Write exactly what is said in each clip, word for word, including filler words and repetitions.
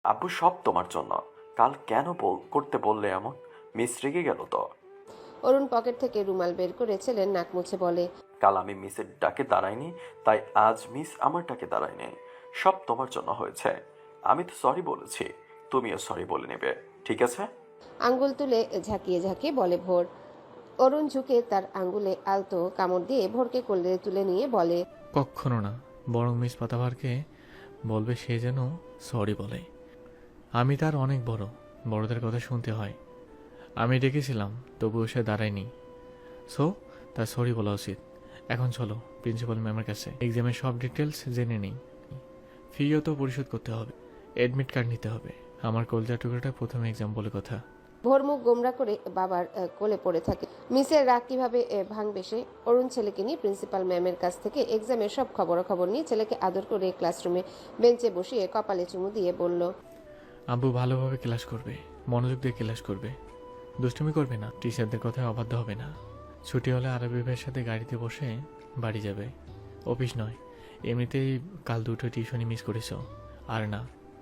আব্বু সব তোমার জন্য। কাল কেন বল করতে বললে এমন? মিস রেগে গেল তো? অরুণ পকেট থেকে রুমাল বের করে ছেলের নাক মুছে বলে, কাল আমি মিসের ডাকে দাঁড়াইনি, তাই আজ মিস আমার ডাকে দাঁড়ায়নি। সব তোমার জন্য হয়েছে। আমি তো সরি বলেছি, তুমিও সরি বলে নেবে, ঠিক আছে? আঙ্গুল তুলে ঝাঁকিয়ে ঝাঁকিয়ে বলে ভোর। অরুণ ঝুঁকে তার আঙ্গুলে আলতো কামড় দিয়ে ভোরকে কোলে তুলে নিয়ে বলে, কক্ষনো না, বরং মিস পাতাভারকে বলবে সে যেন সরি বলে। আমি তার অনেক বড়, বড়দের কথা শুনতে হয়। আমি ডেকেছিলাম, তবুও সে দাঁড়ায়নি, সো তার সরি বলা উচিত। এখন চলো প্রিন্সিপাল ম্যামের কাছে, এক্সামের সব ডিটেলস জেনে নিই। ফিও তো পরিশোধ করতে হবে, অ্যাডমিট কার্ড নিতে হবে। আমার কলজা টুকরোটা প্রথম এক্সাম বলে কথা। ভোর মুখ গোমরা করে বাবার আহ, কোলে পড়ে থাকে। মিসের রাগ কিভাবে আহ, ভাঙবে সে? অরুণ ছেলেকে নিয়ে প্রিন্সিপাল ম্যামের কাছ থেকে এক্সামের সব খবরাখবর নিয়ে ছেলেকে আদর করে ক্লাসরুমে বেঞ্চে বসিয়ে কপালে চুমু দিয়ে বলল, আব্বু ভালোভাবে ক্লাস করবে, মনোযোগ দিয়ে ক্লাস করবে, দুষ্টুমি করবে না, টিচারদের কথায় অবাধ্য হবে না। ছুটি হলে আরবি ভাইয়ের সাথে গাড়িতে বসে বাড়ি যাবে, অফিস নয়। এমনিতেই কাল দুটো টিউশনি মিস করেছ। আর না,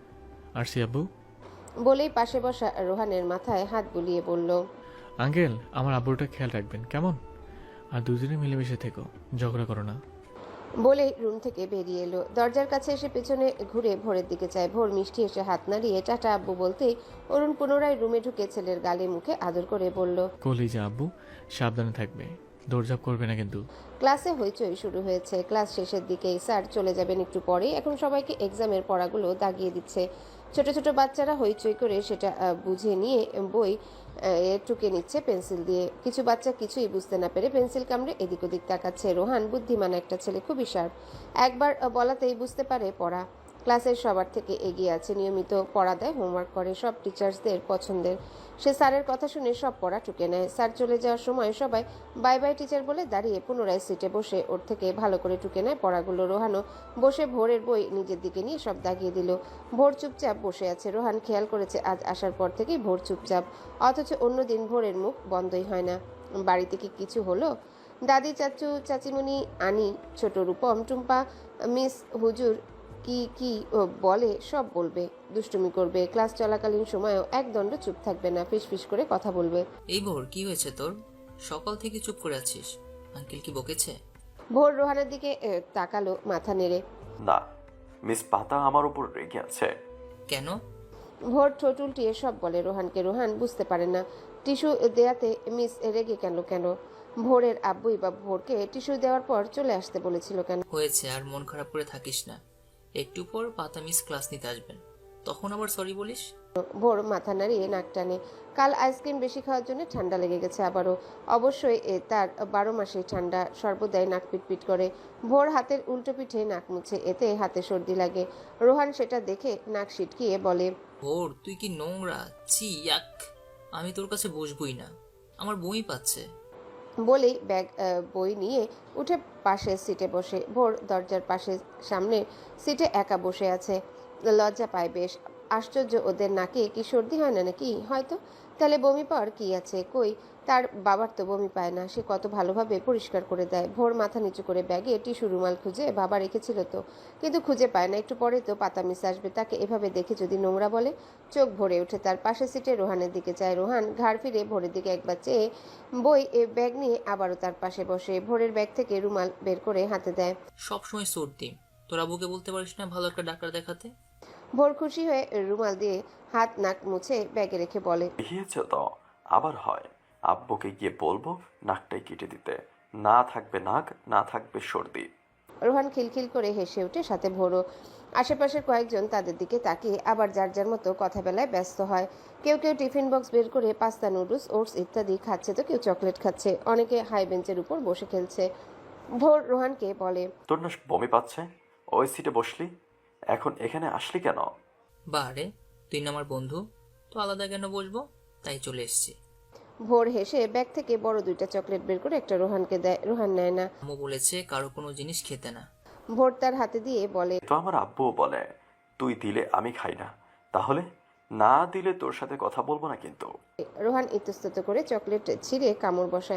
আর সি আব্বু? বলেই পাশে বসা রোহানের মাথায় হাত বুলিয়ে বলল, আঙ্কেল, আমার আব্বুটা খেয়াল রাখবেন কেমন? আর দুজনে মিলেমিশে থেকো, ঝগড়া করো না। বলেই রুম থেকে বেরিয়ে এলো। দরজার কাছে এসে পেছনে ঘুরে ভোরের দিকে চায়। ভোর মিষ্টি এসে হাত নাড়িয়ে টাটা আব্বু বলতেই অরুণ পুনরায় রুমে ঢুকে ছেলের গালে মুখে আদর করে বলল, কলিজা আব্বু, সাবধানে থাকবে, দৌড়ঝাঁপ করবে না কিন্তু। ক্লাসে হইচই শুরু হয়েছে। ক্লাস শেষের দিকে স্যার চলে যাবেন একটু পরে। এখন সবাইকে এক্সামের পড়াগুলো দাগিয়ে দিচ্ছে। ছোট ছোট বাচ্চারা হইচই করে সেটা আহ, বুঝে নিয়ে বই আহ, টুকে নিচ্ছে পেন্সিল দিয়ে। কিছু বাচ্চা কিছুই বুঝতে না পেরে পেন্সিল কামড়ে এদিক ওদিক তাকাচ্ছে। রোহান বুদ্ধিমান একটা ছেলে, খুবই শার্প। একবার আহ, বলাতেই বুঝতে পারে পড়া। ক্লাসের সবার থেকে এগিয়ে আছে, নিয়মিত পড়া দেয়, হোমওয়ার্ক করে, সব টিচার্সদের পছন্দের। সে স্যারের কথা শুনে সব পড়া টুকে নেয়। স্যার চলে যাওয়ার সময় সবাই বাই বাই টিচার বলে দাঁড়িয়ে পুনরায় সিটে বসে ওর থেকে ভালো করে টুকে নেয় পড়াগুলো। রোহানও বসে ভোরের বই নিজের দিকে নিয়ে সব দাগিয়ে দিল। ভোর চুপচাপ বসে আছে। রোহান খেয়াল করেছে আজ আসার পর থেকেই ভোর চুপচাপ, অথচ অন্যদিন ভোরের মুখ বন্ধই হয় না। বাড়িতে কি কিছু হলো? দাদি, চাচু, চাচিমণি, আনি, ছোট রূপম, টুম্পা, মিস হুজুর কি কি ও বলে সব বলবে, দুষ্টুমি করবে। ক্লাস চলাকালীন সময়েও একদণ্ড চুপ থাকবে না, ফিসফিস করে কথা বলবে। এই ভোর, কি হয়েছে তোর? সকাল থেকে চুপ করে আছিস। আঙ্কেল কি বকেছে? ভোর রোহানের দিকে এ, তাকালো মাথা নেড়ে। না, মিস পাতা আমার উপর রেগে আছে। কেন? ভোর ঠোঁট উল্টিয়ে সব বলে রোহানকে। রোহান বুঝতে পারে না টিস্যু দেয়াতে মিস রেগে কেন কেন ভোরের আব্বুই বা ভোরকে টিস্যু দেওয়ার পর চলে আসতে বলেছিল কেন। হয়েছে, আর মন খারাপ করে থাকিস না। একটু পর পাতা মিস ক্লাস নিতে আসবেন, তখন আবার সরি বলিস। ভোর মাথা নাড়িয়ে নাক টানে। কাল আইসক্রিম বেশি খাওয়ার জন্য ঠান্ডা লেগে গেছে আবারও। অবশ্যই এ তার বারো মাসেই ঠান্ডা, সর্বদাই নাক পিটপিট করে। ভোর হাতের উল্টো পিঠে নাক মুছে, এতে হাতে সর্দি লাগে। রোহান সেটা দেখে নাক সিটকিয়ে বলে, ভোর, তুই কি নোংরা! ছি, ইয়াক! আমি তোর কাছে বসবই না, আমার বই পাচ্ছে। বলেই ব্যাগ আহ, বই নিয়ে উঠে পাশের সিটে বসে। ভোর দরজার পাশে সামনে সিটে একা বসে আছে। লজ্জা পায় বেশ। আশ্চর্য, ওদের নাকে কি সর্দি হয় না নাকি? হয়তো। তাহলে বমি পাওয়ার কি আছে? কই, তার বাবার তো বমি পায় না, সে কত ভালোভাবে পরিষ্কার করে দেয়। ভোর মাথা নিচু করে ব্যাগে টিস্যু রুমাল খুঁজে, বাবা রেখেছিল তো, কিন্তু খুঁজে পায় না। একটু পরে তো পাতা মিস আসবে, তাকে এভাবে দেখে যদি নোংরা বলে। চোখ ভরে ওঠে তার। পাশের সিটে রোহানের দিকে চায়। রোহান ঘাড় ফিরে ভোরের দিকে একবার চেয়ে বই এ ব্যাগ নিয়ে আবারও তার পাশে বসে। ভোরের ব্যাগ থেকে রুমাল বের করে হাতে দেয়। সবসময় সর্দি, তোর আবুকে বলতে পারিস না ভালো একটা ডাক্তার দেখাতে? ভোর খুশি হয়ে রুমাল দিয়ে হাত নাক মুছে ব্যাগে রেখে বলে, দেখিয়েছ তো, আবার হয়। আব্বুকে গিয়ে বলবো নাকটাই কেটে দিতে। না থাকবে নাক, না থাকবে সর্দি। রোহান খিলখিল করে হেসে ওঠে, সাথে ভোরও। আশেপাশের কয়েকজন তাদের দিকে তাকিয়ে আবার যার যার মতো কথা বেলায় ব্যস্ত হয়। কেউ কেউ টিফিন বক্স বের করে পাস্তা, নুডলস, ওটস ইত্যাদি খাচ্ছে, তো কেউ চকলেট খাচ্ছে। অনেকে হাই বেঞ্চের উপর বসে খেলছে। ভোর রোহানকে বলে, তোর না বমি পাচ্ছে? ওই সিটে বসলি, এখন এখানে আসলি কেন? বারে, তুই না আমার বন্ধু, তো আলাদা কেন বসবো? তাই চলে এসেছি। ভোর হেসে ব্যাগ থেকে বড় দুইটা চকলেট বের করে একটা রোহানকে দেয়। রোহান নেয় না। আম্মু বলেছে কারো কোনো জিনিস খেতে না। ভোর তার হাতে দিয়ে বলে, তো আমার আব্বুও বলে তুই দিলে আমি খাই না, তাহলে না দিলে তোর সাথে কথা বলবো না কিন্তু। রোহান ইতস্তত করে চকলেট ছিঁড়ে কামড় বসায়।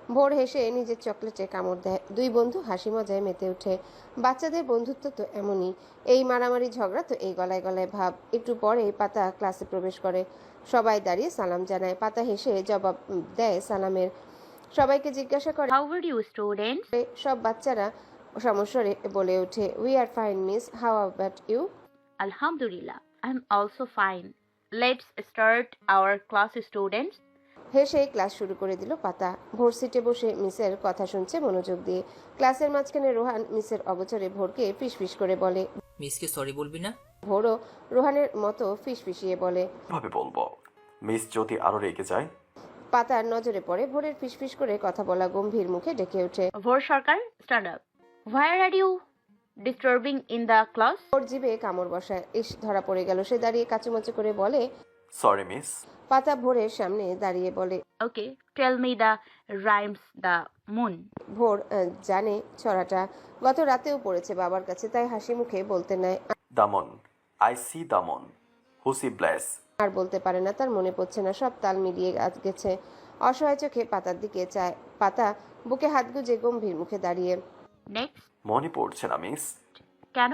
ভোর হেসে নিজের চকলেটে কামড় দেয়। দুই বন্ধু হাসি মজায় মেতে ওঠে। বাচ্চাদের বন্ধুত্ব তো এমনই, এই মারামারি ঝগড়া তো এই গলায় গলায় ভাব। একটু পরে পাতা ক্লাসে প্রবেশ করে। সবাই দাঁড়িয়ে সালাম জানায়। পাতা হেসে জবাব দেয় সালামের। সবাইকে জিজ্ঞাসা করে How are you, students? সব বাচ্চারা সমস্বরে বলে ওঠে, we are fine miss, how about you? Alhamdulillah, I'm also fine. Let's start our class, students. হেসে ক্লাস শুরু করে দিল পাতা। ভোর সিটে বসে মিসের কথা শুনছে মনোযোগ দিয়ে। ক্লাসের মাঝখানে রোহান মিসের অগোচরে ভোরকে ফিসফিস করে বলে। মিসকে সরি বলবি না? ভোরও রোহানের মতো ফিসফিসিয়ে বলে। ভাবে বলবো মিস যদি আরো রেগে যায়? পাতার নজরে পড়ে ভোরের ফিসফিস করে কথা বলা গম্ভীর মুখে ডেকে ওঠে, Vor Sarkar, stand up. Why are you disturbing in the class? ভোর জিভে কামড় বসায়। ইস, ধরা পড়ে গেল। সে দাঁড়িয়ে কাচুমাচু করে বলে। Sorry miss. পাতা ভোরের সামনে দাঁড়িয়ে বলে। Okay, tell me the rhymes the moon. ভোর আহ, জানে ছড়াটা, গত রাতেও পড়েছে বাবার কাছে, তাই হাসি মুখে বলতে নেয়। দামন, আই সি দামন, হুসি ব্লেস। আর বলতে পারে না, তার মনে পড়ছে না, সব তাল মিলিয়ে আজ গেছে। অসহায় চোখে পাতার দিকে চায়। পাতা বুকে হাত গুজে গম্ভীর মুখে দাঁড়িয়ে। Next. মনে পড়ছে না মিস। কেন?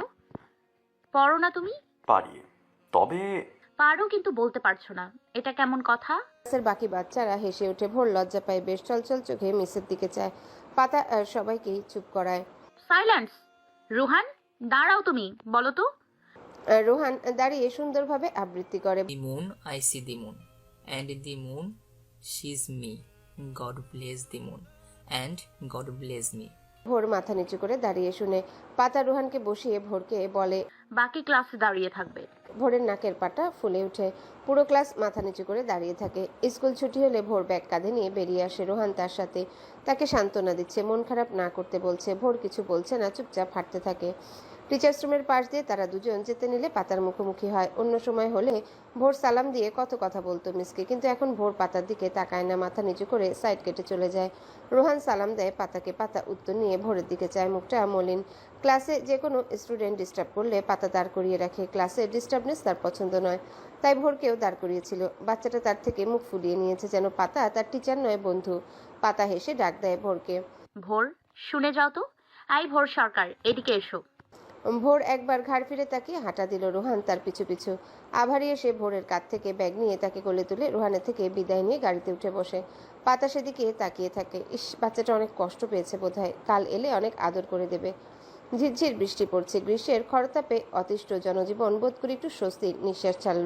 পড়ো না তুমি? পারি, তবে পারো কিন্তু বলতে পারছো না, এটা কেমন কথা? ক্লাসের বাকি বাচ্চারা হেসে ওঠে। ভোর লজ্জা পায় বেশ, চলচল চোখে মিসের দিকে চায়। পাতা আহ, সবাইকেই চুপ করায়। সাইলেন্স। রুহান, দাঁড়াও, তুমি বলো তো। আহ, রোহান দাঁড়িয়ে সুন্দরভাবে আবৃত্তি করে। The moon, I see the moon. And in the moon, she's me. God bless the moon. And God bless me. ভোর মাথা নিচু করে দাঁড়িয়ে শুনে। পাতা রোহানকে বসিয়ে ভোরকে বলে। বাকি ক্লাসে দাঁড়িয়ে থাকবে। ভোরের নাকের পাটা ফুলে ওঠে। পুরো ক্লাস মাথা নিচু করে দাঁড়িয়ে থাকে। স্কুল ছুটি হলে ভোর ব্যাগ কাঁধে নিয়ে বেরিয়ে আসে। রোহান তার সাথে। তাকে সান্ত্বনা দিচ্ছে, মন খারাপ না করতে বলছে। ভোর কিছু বলছে না, চুপচাপ হাঁটতে থাকে। টিচার্স রুমের পাশ দিয়ে তারা দুজন যেতে নিলে পাতার মুখোমুখি হয়। অন্য সময় হলে ভোর সালাম দিয়ে কত কথা বলতো মিসকে, কিন্তু এখন ভোর পাতার দিকে তাকায় না, মাথা নিচু করে সাইড কেটে চলে যায়। রোহান সালাম দেয় পাতাকে, পাতা উত্তর নিয়ে ভোরের দিকে চায়, মুখটা মলিন। ক্লাসে যে কোনো স্টুডেন্ট ডিস্টার্ব করলে পাতা দাঁড় করিয়ে রাখে। ক্লাসে ডিস্টার্বনেস তার পছন্দ নয়, তাই ভোরকেও দাঁড় করিয়েছিল। বাচ্চাটা তার থেকে মুখ ফুলিয়ে নিয়েছে, যেন পাতা তার টিচার নয়, বন্ধু। পাতা হেসে ডাক দেয় ভোরকে। ভোর, শুনে যাও তো। আই ভোর সরকার, এদিকে এসো। ভোর একবার ঘাড় ফিরে তাকিয়ে হাঁটা দিল। রোহান তার পিছু পিছু। আভারি এসে ভোরের কাঁধ থেকে ব্যাগ নিয়ে তাকে কোলে তুলে রোহানের থেকে বিদায় নিয়ে গাড়িতে উঠে বসে। পাতা সেদিকে তাকিয়ে থাকে। ইস, বাচ্চাটা অনেক কষ্ট পেয়েছে বোধহয়, কাল এলে অনেক আদর করে দেবে। ঝিরঝির বৃষ্টি পড়ছে। গ্রীষ্মের খরতাপে অতিষ্ঠ জনজীবন বোধ করে একটু স্বস্তির নিঃশ্বাস ছাড়ল।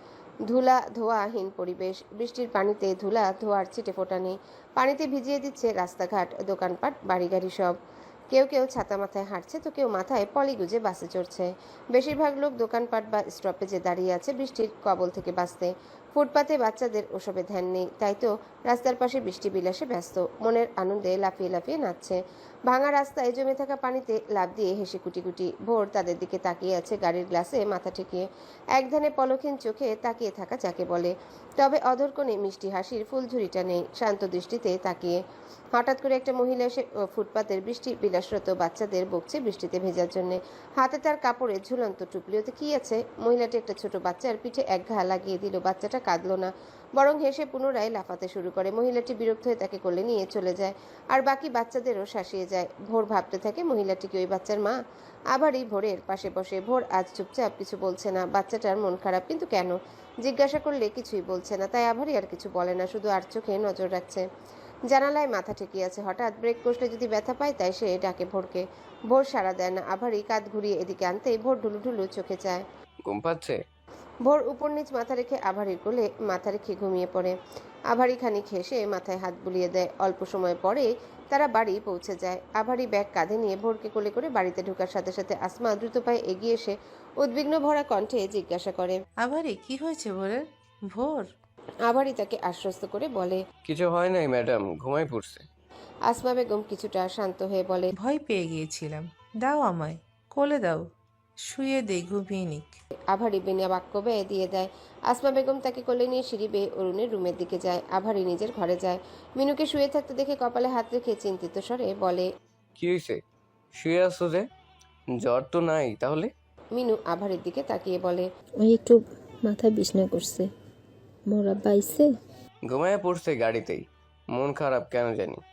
ধুলা ধোয়াহীন পরিবেশ। বৃষ্টির পানিতে ধুলা ধোয়ার ছিটে ফোটা নেই। পানিতে ভিজিয়ে দিচ্ছে রাস্তাঘাট, দোকানপাট, বাড়িগাড়ি সব। কেউ কেউ ছাতা মাথায় হাঁটছে, তো কেউ মাথায় পলি গুজে বাসে চড়ছে। বেশিরভাগ লোক দোকানপাট বা স্টপেজে দাঁড়িয়ে আছে বৃষ্টির কবল থেকে বাঁচতে। ফুটপাতে বাচ্চাদের ওসবে ধ্যান নেই, তাই তো রাস্তার পাশে বৃষ্টি বিলাসে ব্যস্ত। মনের আনন্দে লাফিয়ে লাফিয়ে নাচছে। ভাঙা রাস্তায় জমে থাকা পানিতে লাফ দিয়ে হেসে কুটি কুটি। ভোর তাদের দিকে তাকিয়ে আছে, গাড়ির গ্লাসে মাথা ঠেকিয়ে। একধানে পলক্ষীন চোখে তাকিয়ে থাকা যাকে বলে। তবে অধর কোণে মিষ্টি হাসির ফুলঝুরিটা নেই, শান্ত দৃষ্টিতে তাকিয়ে। হঠাৎ করে একটা মহিলা এসে ফুটপাতের বৃষ্টি বিলাসরত বাচ্চাদের বকছে বৃষ্টিতে ভেজার জন্য। হাতে তার কাপড়ে ঝুলন্ত টুপলি, ওতে কি আছে? মহিলাটি একটা ছোট বাচ্চার পিঠে এক ঘা লাগিয়ে দিল। বাচ্চাটা কাঁদলো না, বরং হেসে পুনরায় লাফাতে শুরু করে। মহিলাটি বিরক্ত হয়ে তাকে কোলে নিয়ে চলে যায়, আর বাকি বাচ্চাদেরও শাসিয়ে যায়। ভোর ভাবতে থাকে, মহিলাটি কি ওই বাচ্চার মা? আবারই ভোরের পাশে বসে। ভোর আজ চুপচাপ, কিছু বলছে না। বাচ্চাটার মন খারাপ, কিন্তু কেন? জিজ্ঞাসা করলে কিছুই বলছে না, তাই আবারই আর কিছু বলে না, শুধু আর চোখে নজর রাখছে। জানালায় মাথা ঠেকিয়ে আছে। হঠাৎ ব্রেক কষলে যদি ব্যথা পায়, তাই সে ডাকে ভোরকে। ভোর সাড়া দেয় না। আভারই কাঁধ ঘুরিয়ে এদিকে আনতেই ভোর ঢুলু ঢুলু চোখে চায়। ঘুম পাচ্ছে? ভোর উপর নিচ মাথা রেখে আভারির কোলে মাথা রেখে ঘুমিয়ে পড়ে। আভারি খানিক হেসে মাথায় হাত বুলিয়ে দেয়। অল্প সময় পরে তারা বাড়ি পৌঁছে যায়। আভারি ব্যাগ কাঁধে নিয়ে ভোরকে কোলে করে বাড়িতে ঢোকার সাথে সাথে আসমা দ্রুত পায়ে এগিয়ে এসে উদ্বিগ্ন ভরা কণ্ঠে জিজ্ঞাসা করে, আবারে কি হয়েছে ভোরের? ভোর আভারি তাকে আশ্বস্ত করে বলে। কিছু হয় নাই ম্যাডাম, ঘুমাই পড়ছে। আসমা বেগম কিছুটা শান্ত হয়ে বলে, ভয় পেয়ে গিয়েছিলাম, দাও আমায় কোলে দাও, শুয়ে দেই, ঘুমিয়ে নিক। আভারি বিনা বাক্য ব্যয় দিয়ে দেয়। আসমা বেগম তাকে কোলে নিয়ে সিঁড়ি বেয়ে অরুণের রুমের দিকে যায়। আভারি নিজের ঘরে যায়। মিনুকে শুয়ে থাকতে দেখে কপালে হাত রেখে চিন্তিত স্বরে বলে, কি হয়েছে? শুয়ে আসছো যে? জ্বর তো নাই তাহলে? মিনু আভারির দিকে তাকিয়ে বলে, ওই একটু মাথা বিছনা করছে। মোরা বাইছে ঘুমায় পড়ছে গাড়িতেই, মন খারাপ কেন জানি।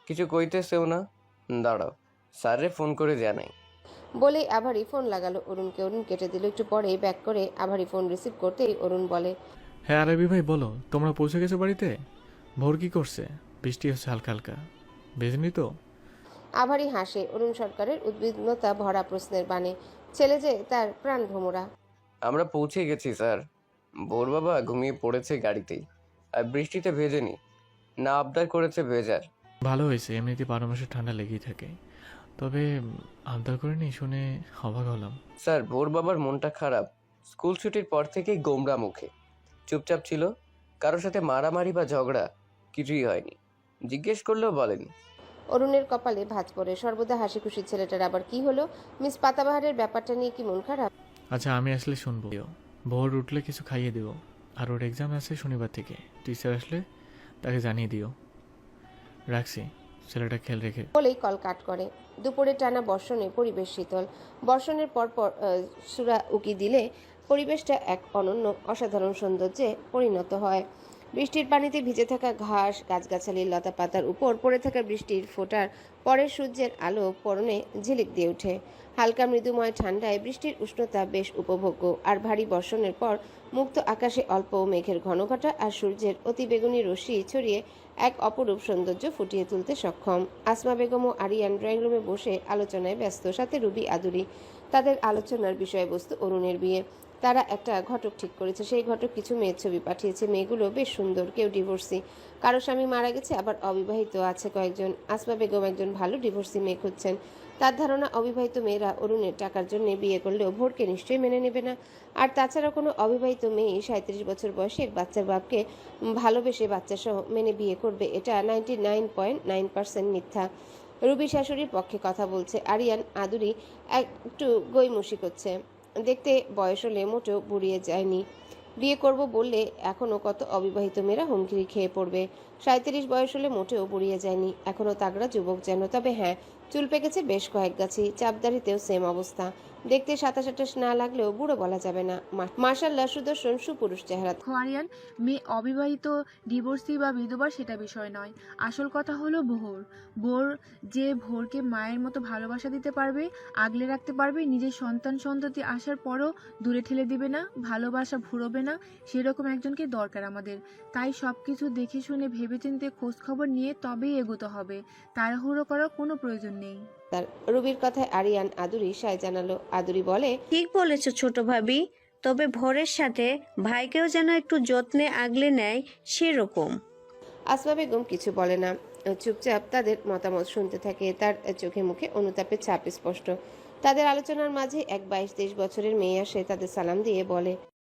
কিছু কইতেছেও না। দাঁড়াও, স্যারে ফোন করে জানাই। বলেই আভারি ফোন লাগালো অরুণকে। অরুণ কেটে দিল। একটু পরেই ব্যাক করে আভারি ফোন রিসিভ করতেই অরুণ বলে, হ্যাঁ আরবি ভাই বলো, তোমরা পৌঁছে গেছো বাড়িতে? ভোর কি করছে? বৃষ্টি হচ্ছে হালকা হালকা, ভেজেনি তো? আভারি হাসে অরুণ সরকারের উদ্বিগ্নতা ভরা প্রশ্নের বাণে। ছেলে যে তার প্রাণ ভোমরা। আমরা পৌঁছে গেছি স্যার। ভোর বাবা ঘুমিয়ে পড়েছে গাড়িতেই, আর বৃষ্টিতে ভেজেনি, না আবদার করেছে ভেজার। ভালো হয়েছে, এমনিতে বারো মাসে ঠান্ডা লেগেই থাকে। তবে আবদার করিনি শুনে অবাক হলাম। স্যার ভোর বাবার মনটা খারাপ। স্কুল ছুটির পর থেকেই গোমরা মুখে, চুপচাপ ছিল। কারোর সাথে মারামারি বা ঝগড়া কিছুই হয়নি, জিজ্ঞেস করলেও বলেনি। অরুণের কপালে ভাঁজ পড়ে। সর্বদা হাসি খুশি ছেলেটার আবার কি হলো? মিস পাতাবাহারের ব্যাপারটা নিয়ে কি মন খারাপ? আচ্ছা আমি আসলে শুনবো। ভোর উঠলে কিছু খাইয়ে দিও। আর ওর এক্সাম আছে শনিবার থেকে, টিচার আসলে তাকে জানিয়ে দিও। রাখছি, ছেলেটা খেয়াল রেখে। বলেই কল কাট করে। দুপুরে টানা বর্ষণে পরিবেশ শীতল। বর্ষণের পর পর আহ, সুরা উকি দিলে পরিবেশটা এক অনন্য অসাধারণ সৌন্দর্যে পরিণত হয়। বৃষ্টির পানিতে ভিজে থাকা ঘাস, গাছগাছালির লতা পাতার উপর পড়ে থাকা বৃষ্টির ফোঁটার পরের সূর্যের আলো পরনে ঝিলিক দিয়ে ওঠে। হালকা মৃদুময় ঠান্ডায় বৃষ্টির উষ্ণতা বেশ উপভোগ্য। আর ভারী বর্ষণের পর মুক্ত আকাশে অল্প মেঘের ঘনঘটা আর সূর্যের অতিবেগুনি রশ্মি ছড়িয়ে এক অপরূপ সৌন্দর্য ফুটিয়ে তুলতে সক্ষম। আসমা বেগম ও আরিয়ান ড্রয়িং রুমে বসে আলোচনায় ব্যস্ত, সাথে রুবি আদুরি। তাদের আলোচনার বিষয়বস্তু অরুণের বিয়ে। তারা একটা ঘটক ঠিক করেছে। সেই ঘটক কিছু মেয়ের ছবি পাঠিয়েছে। মেয়েগুলো বেশ সুন্দর, কেউ ডিভোর্সি, কারো স্বামী মারা গেছে, আবার অবিবাহিত আছে কয়েকজন। আসমা বেগম একজন ভালো ডিভোর্সি মেয়ে খুঁজছেন। তার ধারণা অবিবাহিত মেয়েরা অরুণের টাকার জন্য বিয়ে করলেও ভোরকে নিশ্চয়ই মেনে নেবে না। আর তাছাড়া কোনো অবিবাহিত মেয়ে সাঁত্রিশ বছর বয়সে এক বাচ্চার বাপকে ভালোবেসে বাচ্চাসহ মেনে বিয়ে করবে, এটা ninety nine point nine percent মিথ্যা। রুবি শাশুড়ির পক্ষে কথা বলছে। আরিয়ান আদুরি একটু গৈমুষি করছে। দেখতে বয়স হলে মোটেও বুড়িয়ে যায়নি। বিয়ে করব বললে এখনও কত অবিবাহিত মেয়েরা হুমকি খেয়ে পড়বে। সাঁত্রিশ বয়স হলে মোটেও বুড়িয়ে যায়নি, এখনও তাগড়া যুবক যেন। তবে হ্যাঁ, চুল পেকেছে বেশ কয়েক গাছি। চাপদারিতেও সেম অবস্থা। দেখতে সাতাশ আটাশ না লাগলেও বুড়ো বলা যাবে না। মাশাআল্লাহ সুদর্শন সুপুরুষ চেহারা। আরিয়ান, মেয়ে অবিবাহিত, ডিভোর্সি বা বিধবা সেটা বিষয় নয়। আসল কথা হলো ভোর। ভোর যে ভোরকে মায়ের মতো ভালোবাসা দিতে পারবে, আগলে রাখতে পারবে, নিজের সন্তান সন্ততি আসার পরও দূরে ঠেলে দিবে না, ভালোবাসা ভুরবে না, সেরকম একজনকে দরকার আমাদের। তাই সব কিছু দেখে শুনে ভেবেচিন্তে খোঁজ খবর নিয়ে তবেই এগোতে হবে। তাড়াহুড়ো করার কোনো প্রয়োজন নেই। তার রুবির কথায় আরিয়ান আদুরি সায় জানালো। আদুরি বলে, ঠিক বলেছো ছোট ভাবি, তবে ভোরের সাথে ভাইকেও যেন একটু যত্নে আগলে নেয় সেরকম। আসমা বেগম কিছু বলে না, চুপচাপ তাদের মতামত শুনতে থাকে। তার চোখে মুখে অনুতাপের ছাপ স্পষ্ট। তাদের আলোচনার মাঝে এক বাইশ তেইশ বছরের মেয়ে আসে, তাদের সালাম দিয়ে বলে,